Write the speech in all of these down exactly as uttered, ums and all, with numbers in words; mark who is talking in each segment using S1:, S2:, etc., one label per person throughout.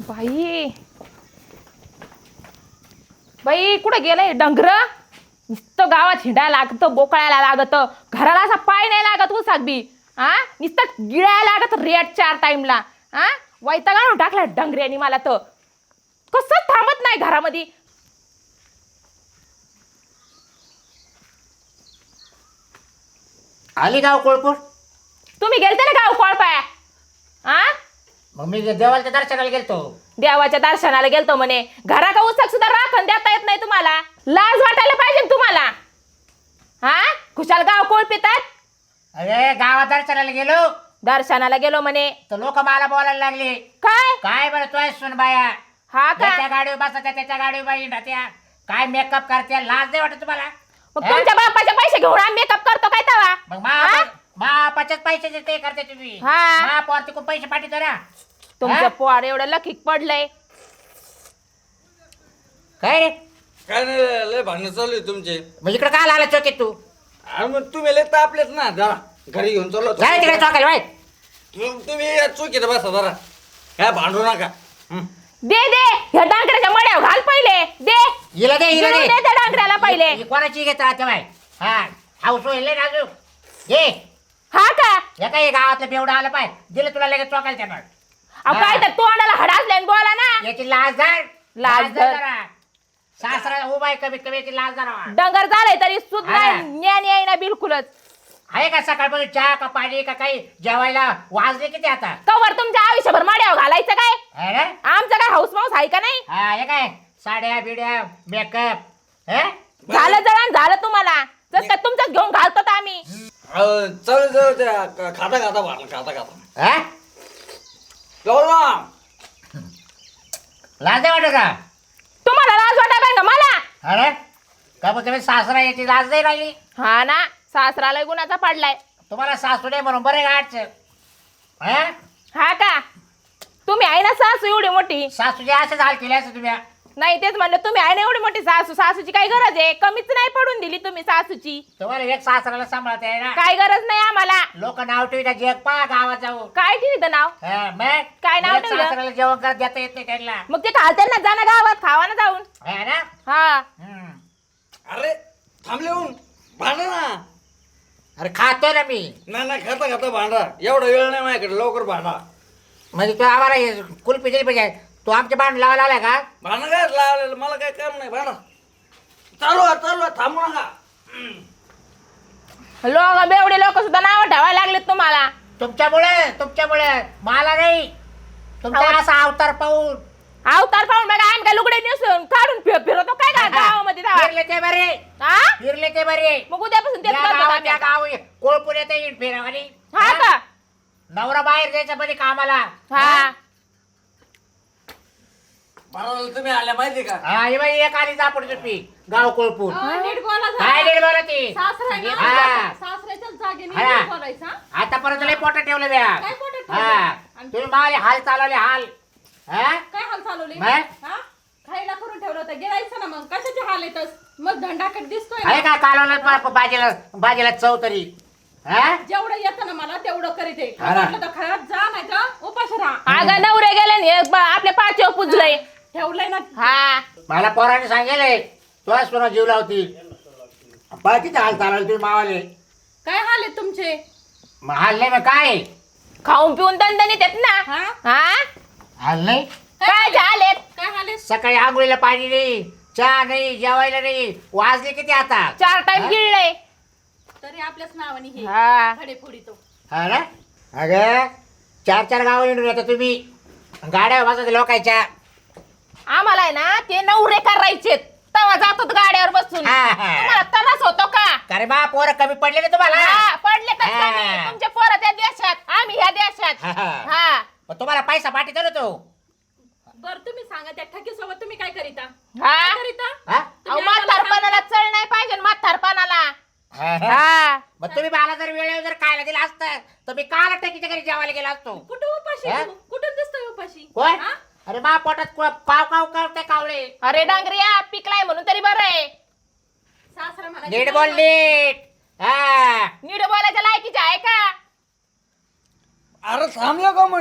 S1: बाई बाई कुठं गेलंय डंगर नुसतं गावात हिंडायला लागतं बोकळायला लागतं घराला असा पाय नाही लागत उसाक बी हा नुसतं गिळायला लागत रेट चार टाइमला हा वैताग आणून टाकला डंगऱ्यानी मला तर कसं थांबत नाही घरामध्ये.
S2: आली गाव कोळपूर.
S1: तुम्ही गेलते ना गाव कोळपाया हा
S2: मग मी देवाच्या दर्शनाला गेलतो.
S1: देवाच्या दर्शनाला गेलतो म्हणे घराचा उसाक सुद्धा राखण देता येत नाही तुम्हाला. लाज वाटायला पाहिजे ना तुम्हाला. हा खुशाल गाव कोळपितात.
S2: अरे गावात दर्शनाला गेलो
S1: दर्शनाला गेलो म्हणे
S2: तर लोक मला बोलायला लागले.
S1: काय
S2: काय बरं तू सुन बाया
S1: हा का
S2: त्याच्या गाडीवर बसत्या त्याच्या गाडीवर बाई त्या काय मेकअप करते लाज नाही वाटत तुम्हाला.
S1: मग तुमच्या बापाचे पैसे घेऊन आम्ही मेकअप करतो काय तवा.
S2: मग मा बापाच्याच पैशाचे ते करते तुम्ही.
S1: हा.
S2: मा पोर तिकडून पैसे पाठवतो ना.
S1: तुमचं पोर एवढं लकीक पडलंय.
S2: काय रे
S3: काय नाही लय भांडणं चालू आहे तुमचे.
S2: मग इकडे काय आला चौकीत तू.
S3: अरे मग तुम्ही लय तापलेच ना जरा घरी घेऊन चाललो होतो.
S2: जाय तिकडे चौकाला बाय.
S3: तुम- तुम्ही या चुकीत बसा जरा काय भांडू नका. हं.
S1: दे दे ह्या डांगऱ्याच्या मड्यावर घाल पहिले दे.
S2: हिला दे हिला
S1: गिळून
S2: दे
S1: दे त्या डांगऱ्याला पहिले.
S2: ही कोणाची घेत राहते बाय. हा हाऊस होईल राजू घे.
S1: हा का
S2: हे काय गावातलं बेवडा आलं पाय दिलं तुला लगेच चौकाला त्यानं.
S1: अहो काय तर तोंडाला हडासले बोला ना.
S2: याची लाज धर
S1: लाज धर.
S2: जरा. सासरा उभा आहे कमीत कमी याची लाज धरा.
S1: डंगर झालंय तरी सुद्धा
S2: हा.
S1: ज्ञान येईना बिलकुलच.
S2: आहे का सकाळपासून चहा का पाणी का काही जेवायला वाजले किती आता.
S1: कवर तुमच्या आयुष्यभर माड्यावर घालायचं काय.
S2: है ना
S1: आमचं काय हाऊस माऊस आहे का नाही.
S2: हा हे काय साड्या बिड्या मेकअप हे
S1: झालं जळण झालं तुम्हाला जसं काय तुमचं घेऊन घालतो तर आम्ही.
S3: अहो, चल जाऊ त्या क- खाता खाता भांडण खाता खाता
S2: हा?
S3: जाऊ ना.
S2: लाज नाही वाटत का.
S1: तुम्हाला लाज वाटा काय का मला.
S2: अरे का मग तुम्ही सासरा याची लाज नाही राहिली.
S1: हा ना सासराला गुणाचा पडलाय.
S2: तुम्हाला सासू नाही म्हणून बरे गाडचं. हा
S1: हा का तुम्ही आहे ना सासू एवढी मोठी.
S2: सासूचे असं हाल केले असं तुम्ही.
S1: नाही तेच म्हणलं तुम्ही आहे ना एवढी मोठी सासू सासूची काय गरज आहे. कमीच नाही पडून दिली तुम्ही सासूची.
S2: तुम्हाला एक सासऱ्याला सांभाळता आहे ना.
S1: काय गरज नाही आम्हाला.
S2: लोक नाव ठेवता जग पा गावात जाऊ.
S1: काय ठेवीत नाव.
S2: हा, मग
S1: काय नाव
S2: एक
S1: ठेवलं?
S2: सासऱ्याला जेवण करत देता येत नाही त्यांना.
S1: मग ते खालते ना जा ना गावात खावा ना जाऊन.
S2: है ना
S1: हा
S2: हम्म.
S3: अरे थांबले होऊन भांडा ना.
S2: अरे खातो ना मी.
S3: नाही नाही खाता खाता भांडा एवढा वेळ नाही माझ्याकडे लवकर भांडा.
S2: म्हणजे तू आम्हाला हे कुल्फी दिली पाहिजे. तू आमच्या बाण लावायला आलाय का.
S3: भांडण काय लावलेलं मला काय काम नाही भांडा. चालू आहे, चालू आहे, थांबू नका.
S1: लोक बेवडे लोक सुद्धा नाव ठेवायला लागलेत तुम्हाला.
S2: तुमच्यामुळे तुमच्यामुळे मला नाही. तुमचा
S1: अहो.
S2: असा अवतार पाहून
S1: अवतार पाहून बघा आम्ही काय लुगडे नेसून काढून फिर- फिरवतो काय का गावामध्ये जावा.
S2: फिरले ते बरे
S1: हा
S2: फिरले ते बरे.
S1: मग उद्यापासून तेच
S2: या
S1: करतो
S2: गावात
S1: आम्ही
S2: त्या
S1: आता.
S2: गाव कोळपूर येते येईल फिरावानी.
S1: हा का
S2: नवरा बाहेर जायचं मध्ये कामाला.
S1: हा
S3: भांडायला तुम्ही आल्या माहिती का.
S2: हा हे बाई एक आली जापड तुपी गाव कोळपूर.
S4: नीट बोला जरा.
S2: काय नाही बोला ती.
S4: सासरा आहे ना?
S2: हा.
S4: सासऱ्याच्याच जागेने
S2: हा.
S4: नीट बोलायचं, हा?
S2: आतापर्यंत लय पोट ठेवलं ब्या.
S4: काय पोटात ठेवलं?
S2: हा
S4: आणि-
S2: तुम्ही मला हाल चालवले हाल. हा
S4: काय हाल चालवले
S2: बाय.
S4: हा? खायला करून ठेवलं होतं गिळायचं ना. मग कशाचे हाल येतस मग धंडाकट दिसतोय
S2: आहे
S4: ना.
S2: का कालवलं बाजीला बाजीला चव तरी. हा
S4: जेवढं येतं ना मला तेवढं करीत आहे.
S2: हा ना.
S4: म्हटलं तर खराब जा नाही तर उपाशी राहा.
S1: अगं नवरे गेले न हे ब- आपल्या पाचव पुजलंय.
S4: ठेवलंय ना.
S1: हा
S2: मला पोराने सांगेल तुला सुना जीव लावती. पहा किती हाल चालवले तुम्ही मावाले.
S4: काय हाल आहेत तुमचे.
S2: मग हाल नाही मग काय
S1: खाऊन पिऊन दणदणीत येत ना.
S4: हा
S1: हा
S2: हाल नाही.
S1: काय झालेत.
S4: काय हाल आहेत.
S2: सकाळी आंघोळीला पाणी नाही चहा नाही जेवायला नाही. वाजले किती आता.
S1: चार टाइम
S2: हा?
S1: गिळलंय.
S4: तरी आपल्याच नावाने हे
S1: हा
S4: खडे फोडी तो.
S2: हा ना अगं चार चार गाव येऊन येता तुम्ही. गाड्या बसत लोकांच्या.
S1: आम्हाला आहे ना ते नवरे करायचे तवा जातात गाड्यावर बसून.
S2: हा, हा.
S1: तुम्हाला त्रास होतो का.
S2: अरे बा पोरं कमी पडले ना तुम्हाला.
S1: हा, पडले तर
S2: हा.
S1: कमी. तुमचे पोरं त्या देशात आम्ही ह्या देशात.
S2: हा, हा.
S1: हा
S2: मग तुम्हाला पैसा पाठीतो ना तो.
S4: बर तुम्ही सांगा त्या ठकीसोबत तुम्ही काय करीता.
S1: हा
S4: काय करीता.
S2: हा?
S1: अहो म्हातारपणाला चढ नाही पाहिजे म्हातारपणाला.
S2: हा, हा.
S1: हा
S2: मग तुम्ही मला जर वेळेवर जर खायला दिलं असतं तर मी काल टकीच्या घरी जेवायला गेला असतो.
S4: कुठं उपाशी
S2: हा?
S4: तू? कुठून दिसतोय उपाशी.
S2: कोण
S4: हा?
S2: अरे बा पोटात कुठं पाव काव करते कावळे.
S1: अरे डांगरिया पिकलाय म्हणून तरी बरं आहे.
S4: सासरा मला
S2: नीट बोल नीट. हा
S1: नीट बोलायच्या लायकीचे आहे का.
S3: अरे थांबलं का म्हण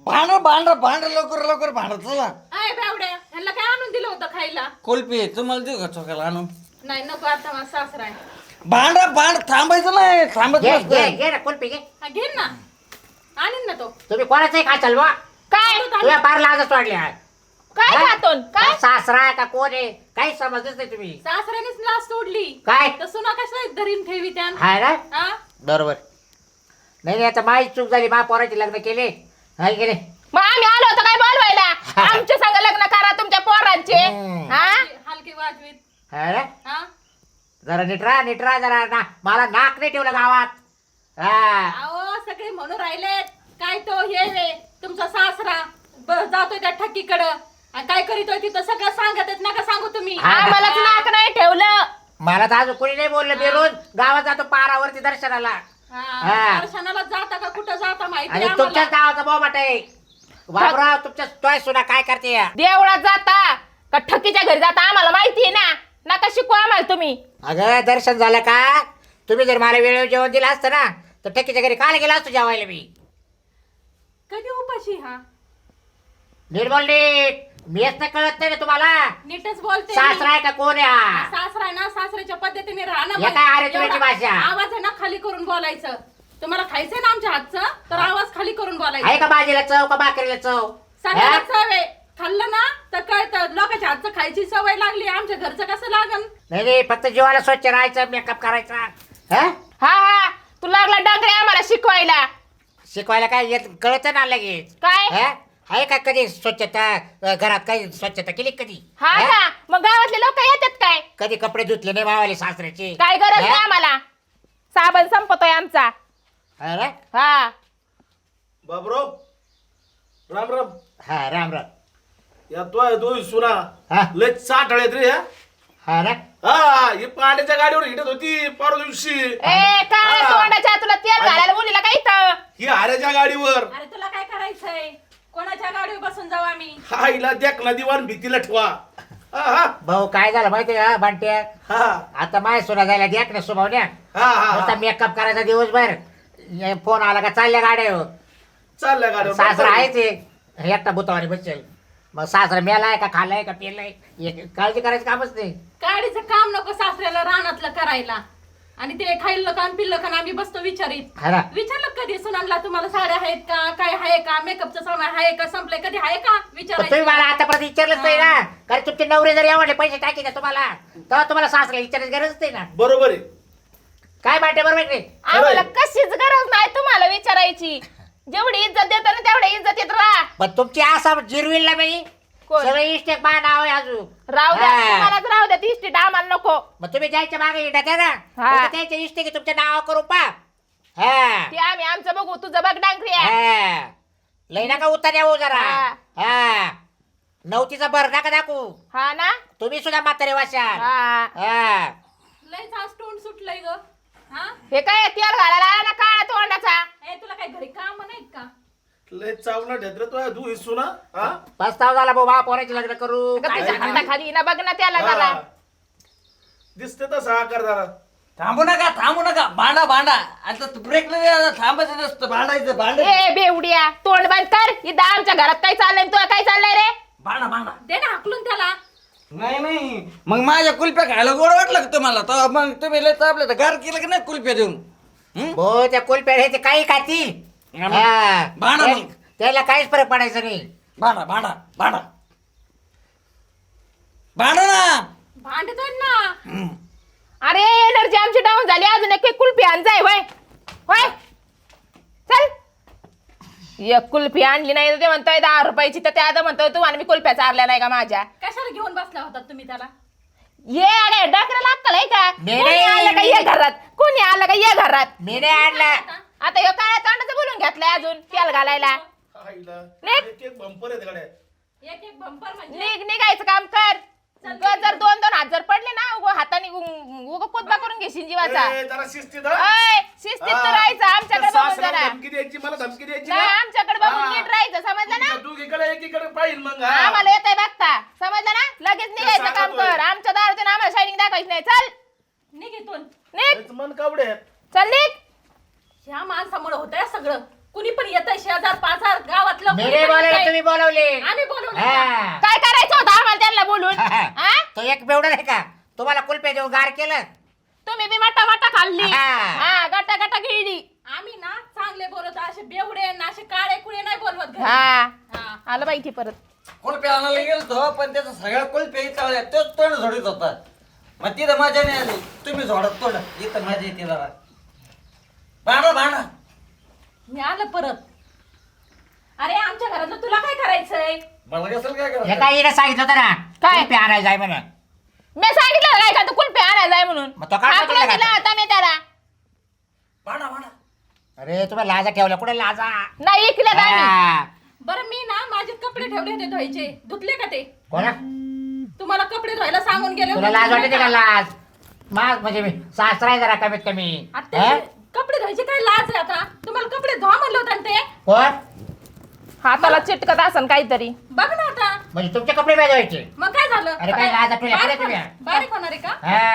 S3: भांड भांड भांड लवकर लवकर भांड चला.
S4: आय बावड्या ह्यांना काय आणून दिलं होतं खायला?
S3: कुल्फी तुम्हाला देऊ का चोकाला आणून?
S4: नाही नको, आता माझा सासरा आहे.
S3: भांड भांड थांबायचं नाही, थांबत
S2: घे घे
S3: नसतं.
S2: घे ना कुल्फी घे.
S4: हा, घेईन ना, आणीन ना तो.
S2: तुम्ही कोणाचंही खा चाल बा.
S1: काय
S2: तुझ्या पार लाजच वाढली आहे.
S1: काय
S2: हा?
S1: खातोन काय
S2: सासरा आहे का कोण आहे काही समजतच नाही तुम्ही.
S4: सासऱ्यानेच लाच सोडली.
S2: काय?
S4: तर सुना कशा धरीन ठेवी त्या?
S2: हाय ना
S4: हा?
S2: बरोबर. नाही नाही आता माझी चूक झाली मा पोराचे लग्न केले हाय की नाही.
S1: मग आम्ही आलो होतो काय बोलवायला आमच्या संग लग्न करा तुमच्या पोरांचे
S2: हम्म.
S1: हा
S4: हलकी वाजवीत.
S2: हाय ना
S4: हा?
S2: जरा नीटरा नीटरा जरा ना मला नाक नाही ठेवलं गावात. हा
S4: अहो सगळे म्हणून राहिलेत काय तो हे वे तुमचा सासरा ब- जातोय त्या ठक्कीकडं आणि काय करीतोय तिथं सगळं सांगत नका सांगू तुम्ही.
S2: हा.
S1: आम्हालाच नाक नाही ठेवलं.
S2: मला तर अजून कोणी नाही बोललं. मी रोज गावात जातो पारावरती दर्शनाला
S4: हा,
S2: हा.
S4: दर्शनाला जाता का कुठं जाता माहिती
S2: आणि
S4: आहे
S2: तुमच्याच
S4: आम्हाला.
S2: गावाचा बोबाट आहे. बाबराव तुमच्या तोय सुना काय करते या?
S1: देवळात जाता का ठकीच्या घरी जाता आम्हाला माहिती आहे ना. नका शिकू आम्हाला तुम्ही.
S2: अगं दर्शन झालं का? तुम्ही जर मला वेळेवर जेवण दिलं असतं ना तर ठकीच्या घरी काल गेला असतो जेवायला मी.
S4: कधी उपाशी हा
S2: नीट बोल नीट. मीच तर कळत नाही ना तुम्हाला.
S4: नीटच बोलते
S2: सासरा आहे का कोण आहे हा?
S4: सासरा आहे ना सासऱ्याच्या पद्धतीने राहणं
S2: या काय आरेतुरीची भाषा?
S4: आवाज आहे ना खाली करून बोलायचं. तुम्हाला खायचंय ना आमच्या हातचं तर आवाज खाली करून
S2: आहे
S4: बोलायचं.
S2: का भाजीला चव का भाकरीला चव?
S4: सगळ्याला
S2: हा?
S4: चव आहे. खाल्लं ना तर कळतं लोकांच्या हातचं खायची सवय लागली. आमच्या घरचं कसं लागन?
S2: नाही नाही फक्त जीवाला स्वच्छ राहायचं मेकअप करायचा. हा
S1: हा हा तू लागला डांगरे आम्हाला शिकवायला.
S2: शिकवायला काय येत कळत ना लगेच.
S1: काय
S2: हा? आहे का कधी स्वच्छता अ, घरात काही स्वच्छता केली कधी?
S1: हा
S2: हा?
S1: का मग गावातले लोक येतात काय?
S2: कधी कपडे धुतले नाही मावाले सासऱ्याचे?
S1: काय गरज नाही
S2: हा?
S1: आम्हाला. साबण संपतोय आमचा.
S2: हा ना?
S1: हा
S3: बाबराव राम राम.
S2: हा राम राम.
S3: या तो दोन सुना
S2: हा
S3: लय चाटळ्यात रे ह्या.
S2: हा ना
S3: हा ही पाण्याच्या गाडीवर हिंडत होती परवा दिवशी.
S1: ए काय
S3: हा.
S1: तोंडाच्या तुला तेल घालायला बोलीला काय इथं?
S3: ही हाऱ्याच्या गाडीवर
S4: अरे तुला काय करायचंय? कोणाच्या गाडीवर बसून जाऊ आम्ही?
S3: हा हिला देख ना दिवाण भीतीला ठेवा. हा हा
S2: भाऊ काय झालं माहिती का बांट्या?
S3: हा
S2: आता माय सोना जायला द्या ना सुभावण्या.
S3: हा
S2: नुसता
S3: हा
S2: मेकअप करायचा दिवसभर. हे फोन आला का चालल्या गाड्या हो.
S3: चालल्या गाडीवर
S2: सासरा आहे ते एकटा बुतावाने बसेल. मग सासरा मेलाय का खाल्लाय का पेलाय हे काळजी करायचं कामच नाही.
S4: गाडीचं काम नको सासऱ्याला रानातलं करायला. आणि ते खाल्लं का पिल्लं का आम्ही बसतो विचारित.
S2: हा ना?
S4: विचारलं कधी सुनांना तुम्हाला साड्या आहेत का काय आहे का मेकअपचं सामान आहे का संपलंय कधी आहे का
S2: पण तुम्ही
S4: विचारायचं.
S2: मला आतापर्यंत विचारलंच नाही ना. कारण तुमचे नवरे जर एवढे पैसे टाकी ना तुम्हाला तेव्हा तुम्हाला सासरा विचारायची गरज नाही ना.
S3: बरोबर आहे.
S2: काय बांटे बरोबर नाही?
S1: आम्हाला कशीच गरज नाही तुम्हाला विचारायची. जेवढी इज्जत देतो ना तेवढी इज्जत येत राहा.
S2: पण तुमची असा जिरविल ना मी
S1: कोण?
S2: सगळं इष्टेक मा नाव आहे अजून.
S1: राहू द्या
S2: हा.
S1: तुम्हालाच राहू द्या ती इस्टेट आम्हाला नको.
S2: मग तुम्ही जायच्या मागे येतात ना
S1: हा.
S2: फक्त त्याच्या इष्टे की तुमच्या नाव करू पा. हा
S1: ते आम्ही आमचं बघू तुझं बघ डांगरी आहे.
S2: हा. लई नका उतर येऊ जरा.
S1: हा.
S2: हा नवतीचा भर नका दाखवू.
S1: हा ना
S2: तुम्ही सुद्धा म्हातारे वाशाल.
S1: हा
S2: हा
S4: लयच आज तोंड सुटलंय ग. हा
S1: हे काय तेल घालायला आला ना काळा तोंडाचा.
S4: ए तुला काय घरी काम नाहीत का?
S3: लय चावला ढेत्र तो तू ही सुना. हा
S2: पस्ताव झाला भाऊ पोराचे लग्न करू.
S1: अगं
S2: काय
S1: तुझ्या
S2: नाही.
S1: हाताखाली ना बघ ना त्याला जरा.
S3: हा. दिसते तसा आकार जरा.
S5: थांबू नका थांबू नका भांडा भांडा आता ब्रेक थांबायचं नसतं भांडायचं भांड
S1: ए बेवड्या तोंड बंद कर. इथं आमच्या घरात काय चाललंय तुला काय चाललंय रे?
S5: भांडा भांडा
S4: दे ना हाकलून त्याला.
S5: नाही नाही मग माझ्या कुल्प्या खायला गोड वाटलं का तुम्हाला तर मग तुम्ही लय चापलं तर गार केलं की नाही कुल्प्या देऊन हं?
S2: भाऊ त्या कुलपेड हे ते काही खातील.
S5: आम्ही-
S2: हा.
S5: भांडा
S2: त्या-
S5: मग.
S2: त्याला काहीच फरक पडायचा नाही.
S5: भांडा भांडा भांडा भांडा ना
S4: भांडतोय ना.
S5: हं.
S1: अरे एनर्जी आमची डाऊन झाली अजून एक कुल्फी आण जाय वय वय चल. एक कुल्फी आणली नाही तर ते म्हणतोय दहा रुपयाची तर ते आता म्हणतोय तू आणि मी कुल्फ्या चारल्या नाही का माझ्या.
S4: कशाला घेऊन बसला होता तुम्ही त्याला?
S1: ये अरे डकरा लागतं आहे का?
S2: नाही,
S1: कोणी
S2: नाही,
S1: आलं का
S2: नाही.
S1: ये घरात कोणी आलं का ये घरात.
S2: मी नाही आणला.
S1: आता ह्यो काळ्या तोंडाचं बोलून घेतलंय अजून तेल घालायला.
S3: हा हिला.
S1: निघ.
S3: एक एक बंपर आहेत गाड्या.
S4: एक एक बंपर म्हणजे
S1: निघ निघायचं काम कर. उगा जर दोन दोन हात जर पडले ना उगो हाताने उगो कोतबा करून घेशील जीवाचा.
S3: ए, जरा शिस्तीत हा.
S1: अय शिस्तीत तर राहायचं आमच्याकडे
S3: त्या
S1: बघून
S3: सासऱ्याला
S1: जरा.
S3: धमकी द्यायची मला धमकी द्यायची
S1: नाही
S3: ना.
S1: आमच्याकडे बघून
S3: हा.
S1: नीट राहायचं समजलं ना.
S3: तुमच्या दोघीकडे एकीकडे पाहिजे मग हा.
S1: आम्हाला येतंय बघता समजलं ना. लगेच निघायचं काम
S3: सांगतोय.
S1: कर. आमच्या दारातून आम्हाला शायनिंग दाखवायची नाही. चल
S4: निघ इथून.
S1: निघ
S3: हेच मन कावडे आहेत.
S1: चल निघ.
S4: ह्या माणसामुळे होतंय सगळं. कुणी पण येतंय शेजार पाजार गावातलं बोलवलं
S2: मी
S4: कोणी
S2: नाही
S4: पण
S2: बोलवलं
S4: काय?
S2: तुम्ही बोलवले
S4: आम्ही बोलवलं का?
S2: हा.
S1: काय करायचं होतं आम्हाला त्यांना बोलून हा?
S2: तो एक बेवडा नाही का तुम्हाला कुलपे देऊन गार केलं
S1: तुम्ही बी मटा मटा खाल्ली
S2: हा.
S1: हा गटा गटा गिळली
S4: आम्ही ना चांगले बोलवतो असे बेवडे ना असे काळे कुळे नाही बोलवत घरी.
S1: हा
S4: हा.
S1: आलं बाई ती परत
S5: कुल्फी आणायला गेलतो पण त्याचा सगळ्या कुल्फी चालल्या तोच तोंड झोडीत होता मग तिथं मजा नाही आली तुम्ही झोडत तोंड इथं मजा येते जरा भांडा भांडा
S4: मी आलं परत. अरे आमच्या घरातलं तुला काय करायचंय?
S5: मला कसं काय
S2: हे
S5: करायचं
S2: काय हिने सांगितलं होतं ना
S1: काय?
S2: कुल्फी आणायला जाय म्हणून
S1: मी सांगितलं काय का तू कुल्फी आणायला जाय म्हणून
S2: मग तो काय
S1: हाकलून
S2: म्हटलं
S1: दिला
S2: का?
S1: होता मी त्याला
S5: भांडा भांडा
S2: अरे तुम्ही लाजा ठेवल्या कुठे लाजा
S1: नाही ऐकलं आम्ही
S2: हा.
S4: बरं मी ना माझे कपडे ठेवले होते धुवायचे, धुतले का ते?
S2: कोणा
S4: तुम्हाला कपडे धुवायला सांगून गेले
S2: तुला
S4: होते,
S2: लाज
S4: धुतले
S2: वाटते का
S4: का?
S2: लाज मग म्हणजे मी सासरा आहे जरा कमीत कमी
S4: आता
S2: हा?
S4: ते कपडे धुवायचे काय लाज आहे आता? तुम्हाला कपडे धुवा म्हणलं होतं ना ते?
S2: कोण
S1: हाताला चिटकत असन काहीतरी
S4: बघ ना आता.
S2: म्हणजे तुमचे कपडे भेजवायचे
S4: मग काय झालं?
S2: अरे काय लाज आठवली आपल्या
S4: बारीक
S2: तुम्ही?
S4: होणार- बारीक होणार आहे का?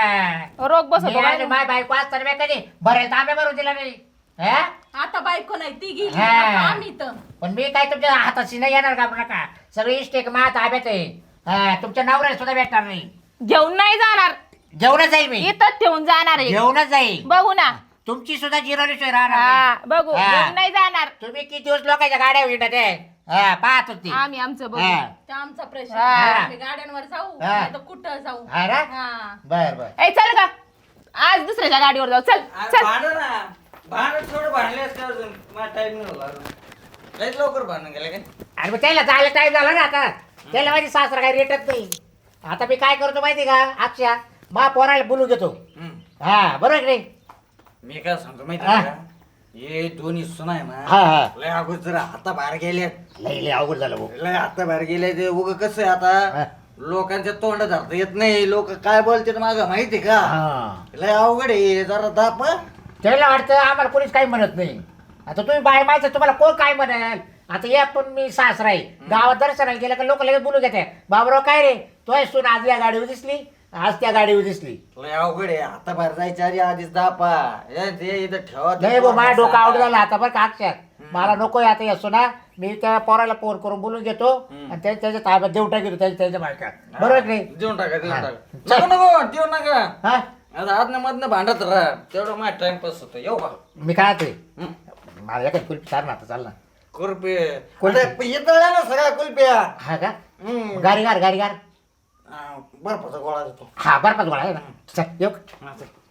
S2: हा.
S1: रोग बसतो
S2: मी
S1: बाई.
S2: आणि माय बायको आज तर मी कधी भरेल तांबे भरून दिला नाही हा?
S4: आता बायको नाही ती गेली
S2: हा.
S4: आता आम्ही इथं.
S2: पण मी काय तुमच्या हाताशी नाही येणार का नका सगळी इष्टेक मा ताब्यात आहे हा, तुमच्या नवऱ्याला सुद्धा भेटणार नाही
S1: घेऊन नाही जाणार
S2: जेवणच जाईल मी
S1: इथंच ठेवून जाणार आहे
S2: जेवणच जाईल
S1: बघू ना
S2: तुमची सुद्धा जिरवली सोय राहणार
S1: हा
S2: नाही.
S1: बघू
S2: हा.
S1: घेऊन नाही जाणार
S2: तुम्ही किती दिवस लोकांच्या गाड्या विंडत आहे हा, पाहत होती
S1: आम्ही आमचं बघू
S2: हा.
S4: ते आमचा प्रश्न
S1: हा.
S4: आम्ही गाड्यांवर जाऊ
S2: हा.
S4: नाही तर कुठं जाऊ.
S2: हा ना?
S4: हा.
S2: बर बर
S1: ए चल का आज दुसऱ्याच्या गाडीवर जाऊ चल चल
S5: भांडा ना भांडण थोडं भांडले असते अजून मला टाइम नाही होला अजून लयच लवकर भांडण गेलं काय
S2: अरे मग त्याला जायला टाइम झाला ना आता त्याला माझी सासरा काही रेटत नाही आता मी काय करतो माहिती का अक्षा मा पोराला बोलू घेतो
S5: हम्म.
S2: हा बरोबर की नाही
S5: मी काय सांगतो माहिती
S2: हा.
S5: आहे का हे दोन्ही सुना आहे
S2: हा
S5: ना
S2: हा
S5: लय अगोदर जरा हाता बाहेर गेले
S2: लय लय अवघड झालं भाऊ
S5: लय हाता बाहेर गेले ते उग कसं आहे
S2: हा.
S5: आता लोकांच्या तोंड धरता येत नाही लोक काय बोलतात माझं माहिती आहे का
S2: हा
S5: लय अवघड आहे जरा दाप हं.
S2: त्याला वाटतं आम्हाला कोणीच काही म्हणत नाही आता तुम्ही बाय माहिती तुम्हाला कोण काय म्हणाल आता या पण मी सासरा आहे गावात दर्शनाला गेलं का लोक लगेच बोलू घेते बाबराव काय रे तो सून आज या गाडीवर दिसली आज त्या गाडीवर दिसली
S5: लय अवघड आहे हाता बाहेर जायच्या आधी आधीच दापा हे ते इथं ठेवा
S2: नाही भाऊ माझ्या डोकं आवड झालं आता बरं का अक्षर मला नको आता येसो ना मी त्या पोराला फोन करून बोलून घेतो आणि त्या- त्याच्या ताब्यात देऊ टाकतो त्याच्या त्याच्या बायका बरोबर की नाही
S5: देऊन टाका देऊन
S2: हा.
S5: टाका नको नको देऊ नका
S2: हा
S5: आता आदनं मधनं भांडत राहा तेवढं माझा टाइमपास होतो येऊ का
S2: मी काय ते
S5: हं.
S2: मला एखादी कुल्फी चाल ना आता चाल ना
S5: कुल्फी
S2: कुल्फी.
S5: आता येतळ्या ना सगळ्या कुल्फ्या
S2: हा का
S5: हम्म.
S2: गाडी गार गाडी गार
S5: हा, बर्फाचा गोळा देतो
S2: हा बरं गोळा आहे ना चल येऊ का?
S5: हा, चल.